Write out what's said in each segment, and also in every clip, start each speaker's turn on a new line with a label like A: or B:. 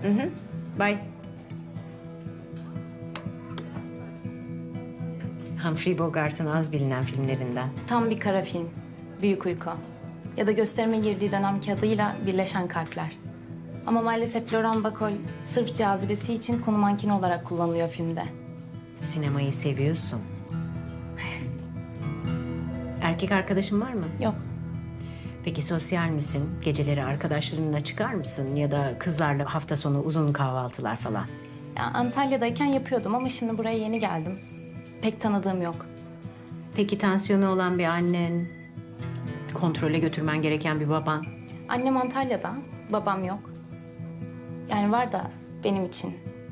A: Bye. Humphrey Bogart'ın az bilinen filmlerinden.
B: Tam bir kara film. Büyük Uyku. Ya da gösterime girdiği dönemki adıyla Birleşen Kalpler. Ama maalesef Laurent Bacall sırf cazibesi için konu mankeni olarak kullanılıyor filmde.
A: Sinemayı seviyorsun. Erkek arkadaşın var mı?
B: Yok.
A: Peki sosyal misin? Geceleri arkadaşlarınla çıkar mısın? Ya da kızlarla hafta sonu uzun kahvaltılar falan.
B: Ya Antalya'dayken yapıyordum ama şimdi buraya yeni geldim. Pek tanıdığım yok.
A: Peki tansiyonu olan bir annen, kontrole götürmen gereken bir baban.
B: Annem Antalya'da, babam yok. Yani var da benim için.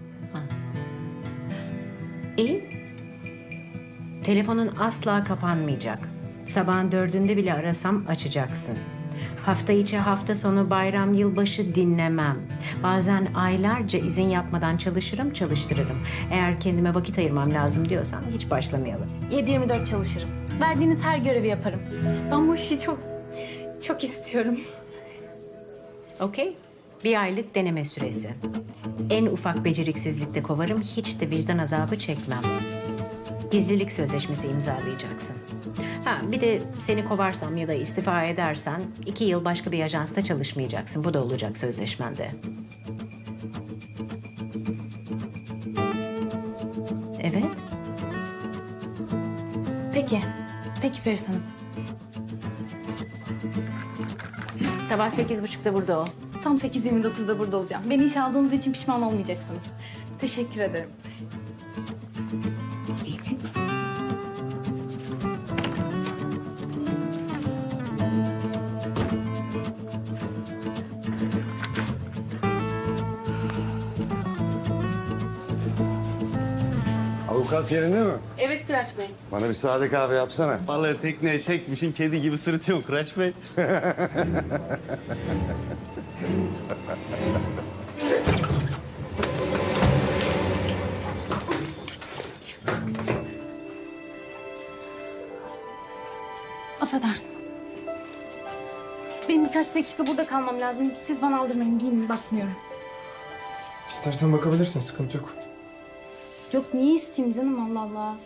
A: İyi. Telefonun asla kapanmayacak. Sabahın 4'ünde bile arasam açacaksın. Hafta içi, hafta sonu, bayram, yılbaşı dinlemem. Bazen aylarca izin yapmadan çalıştırırım. Eğer kendime vakit ayırmam lazım diyorsan hiç başlamayalım.
B: 7/24 çalışırım. Verdiğiniz her görevi yaparım. Ben bu işi çok istiyorum.
A: Okey. 1 aylık deneme süresi. En ufak beceriksizlikte kovarım, hiç de vicdan azabı çekmem. Gizlilik sözleşmesi imzalayacaksın. Bir de seni kovarsam ya da istifa edersen 2 yıl başka bir ajansta çalışmayacaksın. Bu da olacak sözleşmende. Evet.
B: Peki Feris Hanım.
A: Sabah 8.30'da burada ol.
B: Tam 8:29'da burada olacağım. Beni işe aldığınız için pişman olmayacaksınız. Teşekkür ederim.
C: Avukat yerinde mi?
B: Evet Kıraç Bey.
C: Bana bir sade kahve yapsana.
D: Balığı tekneye çekmişin kedi gibi sırıtıyorsun Kıraç Bey.
B: Affedersin. Benim birkaç dakika burada kalmam lazım. Siz bana aldırmayın. Giyinin, bakmıyorum.
E: İstersen bakabilirsin, sıkıntı yok.
B: Yok, niye isteyeyim canım? Allah Allah.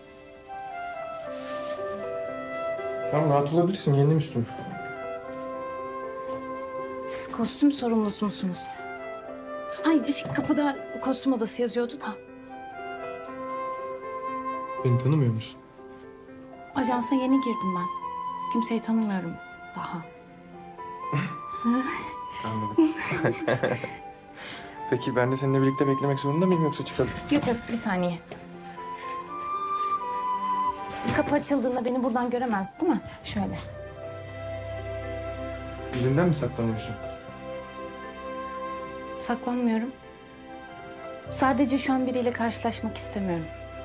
E: Tamam, rahat olabilirsin, yendim üstümü.
B: Siz kostüm sorumlusu musunuz? Hayır, kapıda kostüm odası yazıyordu da.
E: Beni tanımıyor musun?
B: Ajansa yeni girdim ben. Kimseyi tanımıyorum daha.
E: Anladım. Peki ben de seninle birlikte beklemek zorunda mıyım yoksa çıkalım?
B: Yok, bir saniye. Kapı açıldığında beni buradan göremez değil mi? Şöyle.
E: Birinden mi saklanıyorsun?
B: Saklanmıyorum. Sadece şu an biriyle karşılaşmak istemiyorum.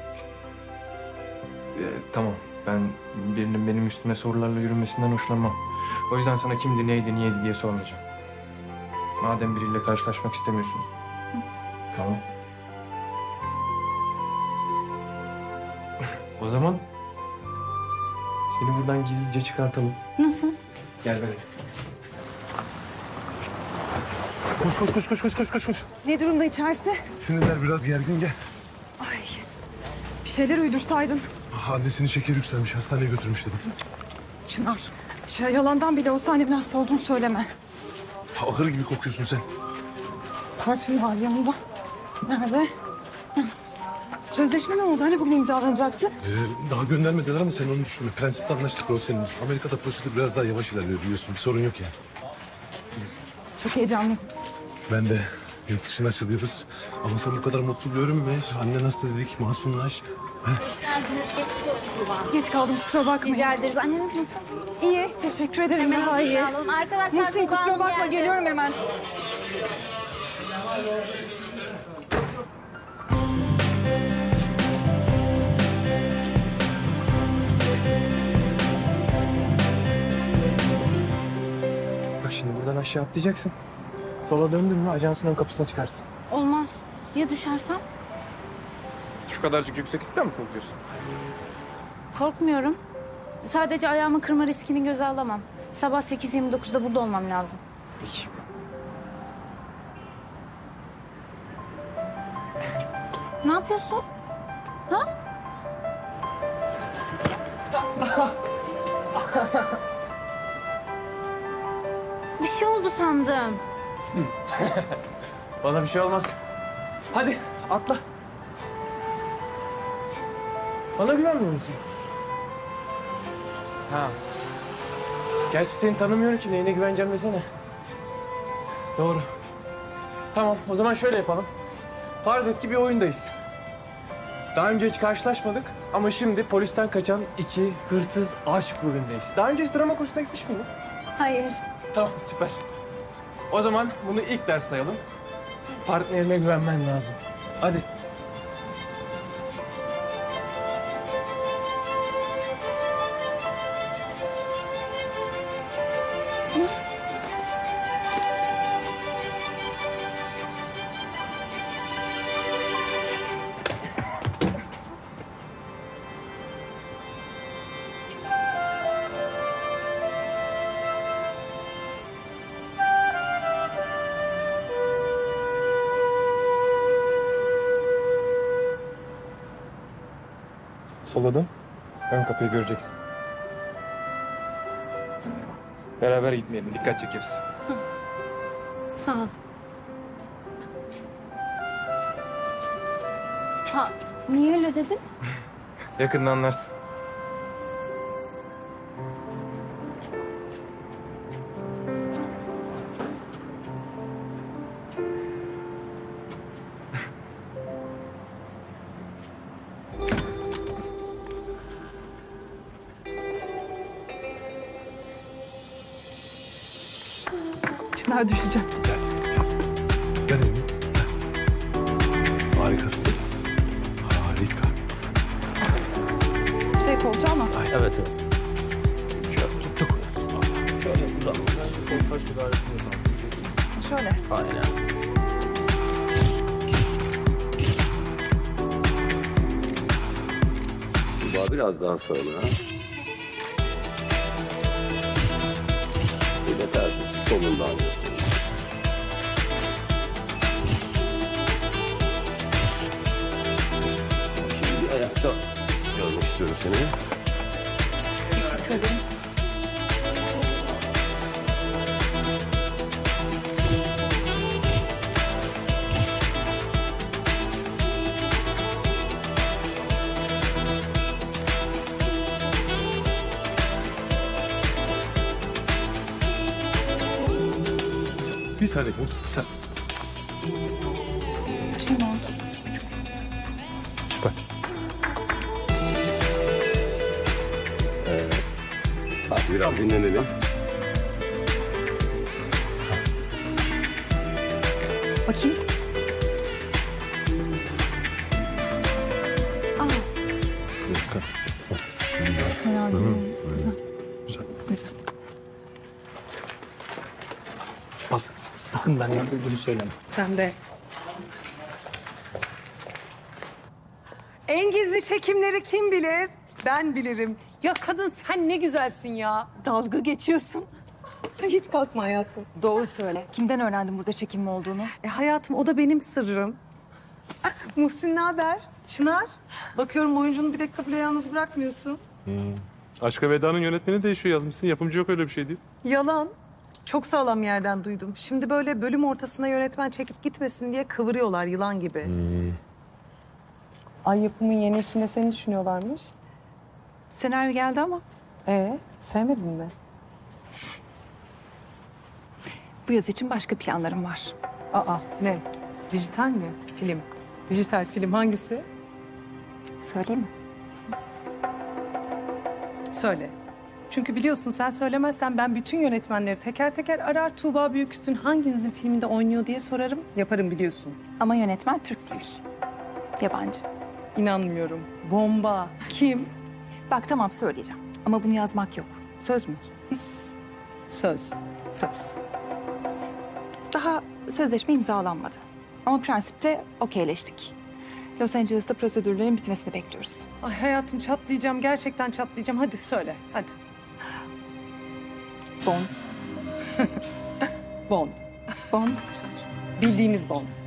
E: Tamam, ben birinin benim üstüme sorularla yürümesinden hoşlanmam. O yüzden sana kimdi, neydi, niyeydi diye sormayacağım. Madem biriyle karşılaşmak istemiyorsun. Tamam. O zaman seni buradan gizlice çıkartalım.
B: Nasıl?
E: Gel benimle.
C: Koş.
F: Ne durumda içerisi?
C: Sinirler biraz gergin, gel.
F: Ay, bir şeyler uydursaydın.
C: Annesinin şekeri yükselmiş, hastaneye götürmüş dedim.
F: Çınar, yalandan bile olsa annemin hasta olduğunu söyleme.
C: Ahır gibi kokuyorsun sen.
F: Parfüm var yanında. Nerede? Hı. Sözleşme ne oldu? Hani bugün imzalanacaktı?
C: Daha göndermediler ama sen onu düşünme. Prensipte anlaştık o senin. Amerika'da prosedür biraz daha yavaş ilerliyor biliyorsun. Bir sorun yok yani.
F: Çok heyecanlıyım.
C: Ben de yurt dışına açılıyoruz. Ama sen bu kadar mutlu görünme. Annen hasta dedik, masumlaş.
F: Geç kaldım, kusura bakmayın.
B: Rica ederiz. Anneniz nasıl?
F: İyi, teşekkür ederim. Daha iyi.
B: Arkadaşlar,
F: Nesin, kusura bakma, geliyorum hemen.
E: Bak şimdi buradan aşağı atlayacaksın. Sola döndün mü ajansın ön kapısına çıkarsın.
B: Olmaz. Ya düşersem?
E: Şu kadarcık yükseklikten mi korkuyorsun?
B: Korkmuyorum. Sadece ayağımı kırma riskini göze alamam. Sabah 8:29'da burada olmam lazım.
E: Peki.
B: Ne yapıyorsun? Ha? Bir şey oldu sandım.
E: Bana bir şey olmaz. Hadi atla. Bana güvenmiyor musun? Ha. Gerçi seni tanımıyorum ki neyine güveneceğim desene. Doğru. Tamam o zaman şöyle yapalım. Farz et ki bir oyundayız. Daha önce hiç karşılaşmadık ama şimdi polisten kaçan iki hırsız aşık rolündeyiz. Daha önce hiç drama kursuna gitmiş miydin?
B: Hayır.
E: Tamam süper. O zaman bunu ilk ders sayalım. Partnerine güvenmen lazım. Hadi. Sola dön. Ön kapıyı göreceksin. Beraber gitmeyelim. Dikkat çekeriz.
B: Sağ ol. Ha, niye öyle dedin?
E: Yakında anlarsın.
F: Çınar düşeceğim.
C: Gel Emin. Harikasın. Harika.
F: Şey koltuğu ama.
C: Evet evet. Şöyle tuttuk. Şöyle uzan.
F: Şöyle.
C: Aynen.
G: Biraz daha sağına. Böyle tertip solundan alıyorsun. Şimdi bir ayakta görmek istiyorum seni.
F: Teşekkür ederim.
C: Bir saniye. Bir saniye.
F: Bir şey mi oldu?
C: Süper.
G: Hadi biraz dinlenelim.
F: Bakayım. Aa, fena değil. Güzel.
C: Güzel.
F: Güzel.
H: Bak sakın benden duyduğunu söyleme.
F: Sen de. En gizli çekimleri kim bilir? Ben bilirim. Ya kadın sen ne güzelsin ya. Dalga geçiyorsun. Hiç kalkma hayatım.
I: Doğru söyle. Kimden öğrendin burada çekim olduğunu?
F: Hayatım o da benim sırrım. Muhsin ne haber? Çınar. Bakıyorum oyuncunu bir dakika bile yalnız bırakmıyorsun.
C: Aşka Veda'nın yönetmeni değişiyor yazmışsın. Yapımcı yok öyle bir şey değil.
F: Yalan. Çok sağlam yerden duydum. Şimdi böyle bölüm ortasına yönetmen çekip gitmesin diye kıvırıyorlar yılan gibi. Ay yapımın yeni işinde seni düşünüyorlarmış.
I: Senaryo geldi ama
F: Sevmedin mi?
I: bu yaz için başka planlarım var.
F: Aa ne? Dijital mi? Film. Dijital film hangisi?
I: Söyleyeyim mi?
F: Söyle. Çünkü biliyorsun sen söylemezsen ben bütün yönetmenleri teker teker arar Tuğba Büyüküstün hanginizin filminde oynuyor diye sorarım. Yaparım biliyorsun.
I: Ama yönetmen Türk değil. Yabancı.
F: İnanmıyorum. Bomba. Kim?
I: Bak tamam söyleyeceğim. Ama bunu yazmak yok. Söz mü?
F: Söz.
I: Söz. Daha sözleşme imzalanmadı. Ama prensipte okeyleştik. Los Angeles'ta prosedürlerin bitmesini bekliyoruz.
F: Ay hayatım çatlayacağım. Gerçekten çatlayacağım. Hadi söyle. Hadi.
I: Bond.
F: Bond.
I: Bond.
F: Bildiğimiz Bond.